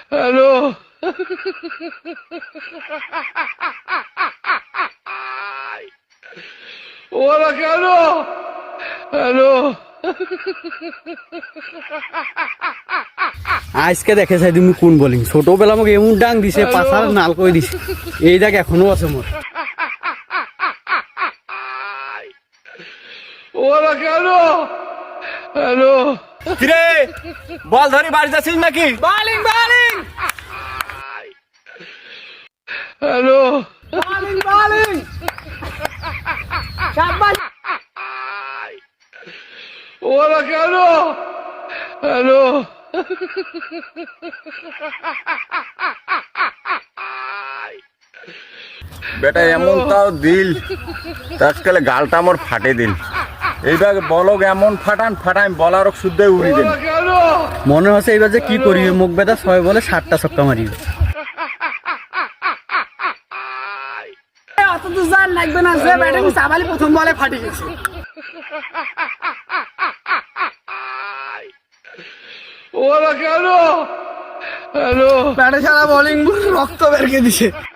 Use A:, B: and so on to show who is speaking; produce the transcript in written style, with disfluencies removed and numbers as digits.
A: Hello ওরা কেন? Hello
B: আজকে দেখে চাই তুমি কোন বোলিং ছোটবেলা আমাকে এমন ডাং দিছে পাশার নাল করে দিছে এই দেখ এখনো আছে মোর
A: ওরা কেন? হ্যালো
C: কিরে বল ধরি বাড়ি যাচ্ছিস নাকি?
B: Bowling bowling
A: hello
B: bowling bowling শাবাশ
A: ওরা কেন? হ্যালো
C: বেটা এমন তাও দিল আজকাল গালটা আমার ফাটে দিল এইবার বলক এমন ফাটান ফাটান বলার শুদ্ধ উড়ি দিন।
A: ওরা কেন?
B: মনে হচ্ছে এইবার যে কি করিবে মুখ বেদা 6 বলে 7টা ছক্কা মারিবে অত তো জান লাগবে না যে ব্যাটিং সাবালি প্রথম বলে ফাটি গেছে
A: ওরা কেন? হ্যালো
B: ব্যাটে সারা বোলিং রক্ত বের করে দিছে